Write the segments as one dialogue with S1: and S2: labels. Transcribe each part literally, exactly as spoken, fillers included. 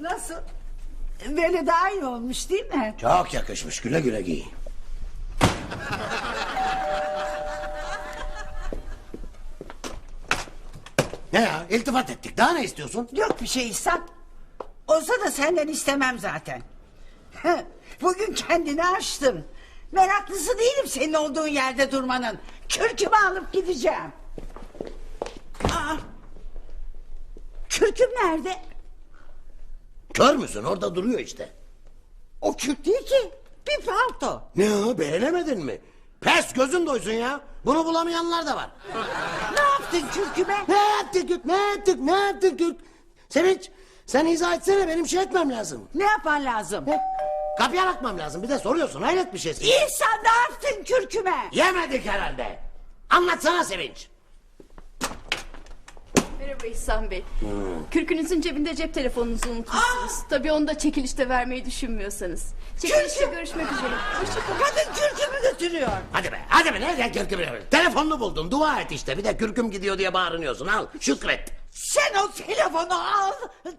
S1: Nasıl? Böyle daha iyi olmuş değil mi?
S2: Çok yakışmış, güle güle giy. Ne ya, iltifat ettik, daha ne istiyorsun?
S1: Yok bir şey İhsan. Olsa da senden istemem zaten. Bugün kendini açtın. Meraklısı değilim senin olduğun yerde durmanın. Kürkümü alıp gideceğim. Aa, kürküm nerede?
S2: Kör müsün, orada duruyor işte.
S1: O kürk değil ki. Bir palto.
S2: Ne o, beğenemedin mi? Pes, gözün doysun ya. Bunu bulamayanlar da var.
S1: Ne yaptın kürküme?
S2: Ne yaptık Gök, ne yaptık, ne yaptık Gök? Sevinç, sen izah etsene, benim şey etmem lazım.
S1: Ne yapan lazım?
S2: Kapıya bakmam lazım, bir de soruyorsun, hayret bir şeysin.
S1: İhsan ne yaptın kürküme?
S2: Yemedik herhalde. Anlatsana Sevinç.
S3: Merhaba İhsan Bey. Kürkünüzün cebinde cep telefonunuzu unutmuşsunuz. Tabii onu da çekilişte vermeyi düşünmüyorsanız. Çekilişte
S1: Kürküm!
S3: görüşmek üzere. Hoşçakalın.
S1: Kadın kürkümü götürüyor.
S2: Hadi be, hadi be, nereden kürkümü? Telefonunu buldun, dua et işte. Bir de kürküm gidiyor diye bağırıyorsun, al şükret.
S1: Sen o telefonu al.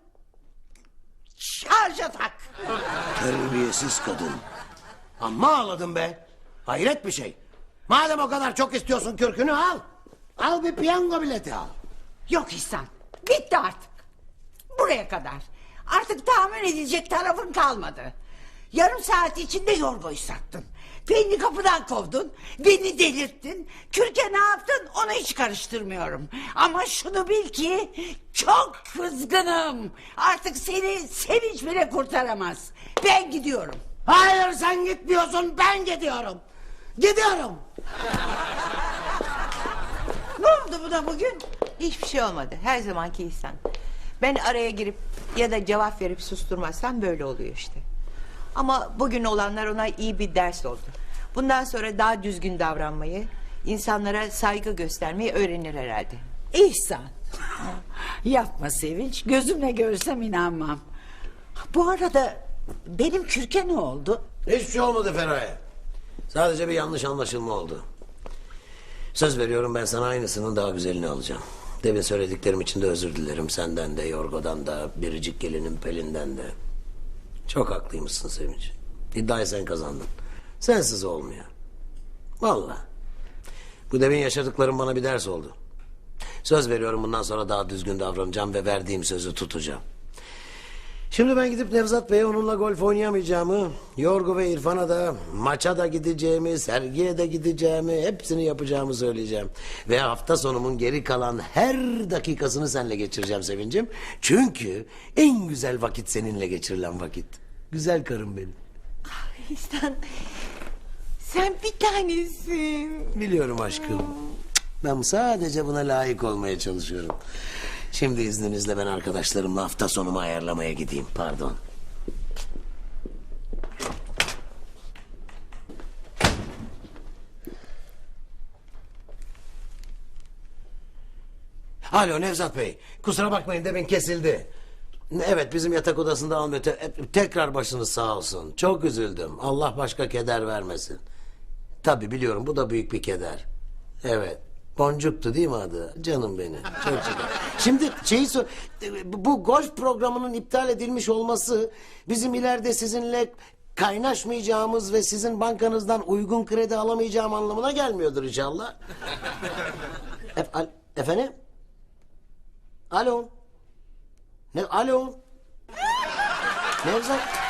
S1: Şarja tak.
S2: Terbiyesiz kadın. Amma ağladın be. Hayret bir şey. Madem o kadar çok istiyorsun kürkünü al. Al bir piyango bileti al.
S1: Yok İhsan. Bitti artık. Buraya kadar. Artık tahammül edecek tarafın kalmadı. Yarım saat içinde yorgoyu sattın. Beni kapıdan kovdun. Beni delirttin. Kürke ne yaptın onu hiç karıştırmıyorum. Ama şunu bil ki çok kızgınım. Artık seni Sevinç bile kurtaramaz. Ben gidiyorum.
S2: Hayır sen gitmiyorsun, ben gidiyorum. Gidiyorum.
S1: Ne oldu buna bugün?
S4: Hiçbir şey olmadı. Her zamanki İhsan. Ben araya girip ya da cevap verip susturmazsam böyle oluyor işte. Ama bugün olanlar ona iyi bir ders oldu. Bundan sonra daha düzgün davranmayı, insanlara saygı göstermeyi öğrenir herhalde.
S1: İhsan. Yapma Sevinç. Gözümle görsem inanmam. Bu arada benim kürke ne oldu?
S2: Hiçbir şey olmadı Feraye. Sadece bir yanlış anlaşılma oldu. Söz veriyorum ben sana aynısının daha güzelini alacağım. Demin söylediklerim için de özür dilerim. Senden de, Yorgo'dan da, biricik gelinin Pelin'den de. Çok haklıymışsın Sevinç. İddiayı sen kazandın. Sensiz olmuyor. Vallahi. Bu demin yaşadıklarım bana bir ders oldu. Söz veriyorum bundan sonra daha düzgün davranacağım ve verdiğim sözü tutacağım. Şimdi ben gidip Nevzat Bey'e onunla golf oynayamayacağımı, Yorgo ve İrfan'a da maça da gideceğimi, sergiye de gideceğimi, hepsini yapacağımı söyleyeceğim. Ve hafta sonumun geri kalan her dakikasını seninle geçireceğim Sevincim. Çünkü en güzel vakit seninle geçirilen vakit. Güzel karım benim.
S4: İhsan, sen bir tanesin.
S2: Biliyorum aşkım. Ben sadece buna layık olmaya çalışıyorum. Şimdi izninizle ben arkadaşlarımla hafta sonumu ayarlamaya gideyim. Pardon. Alo Nevzat Bey. Kusura bakmayın demin kesildi. Evet bizim yatak odasında almıyor. Te- tekrar başınız sağ olsun. Çok üzüldüm. Allah başka keder vermesin. Tabii biliyorum bu da büyük bir keder. Evet. Boncuktu değil mi adı? Canım benim. Çok şeker. Şimdi şeyi sor... Bu golf programının iptal edilmiş olması... ...bizim ileride sizinle kaynaşmayacağımız... ...ve sizin bankanızdan uygun kredi alamayacağım anlamına gelmiyordur inşallah. E, al, efendim? Alo? Ne, alo? Nevzat?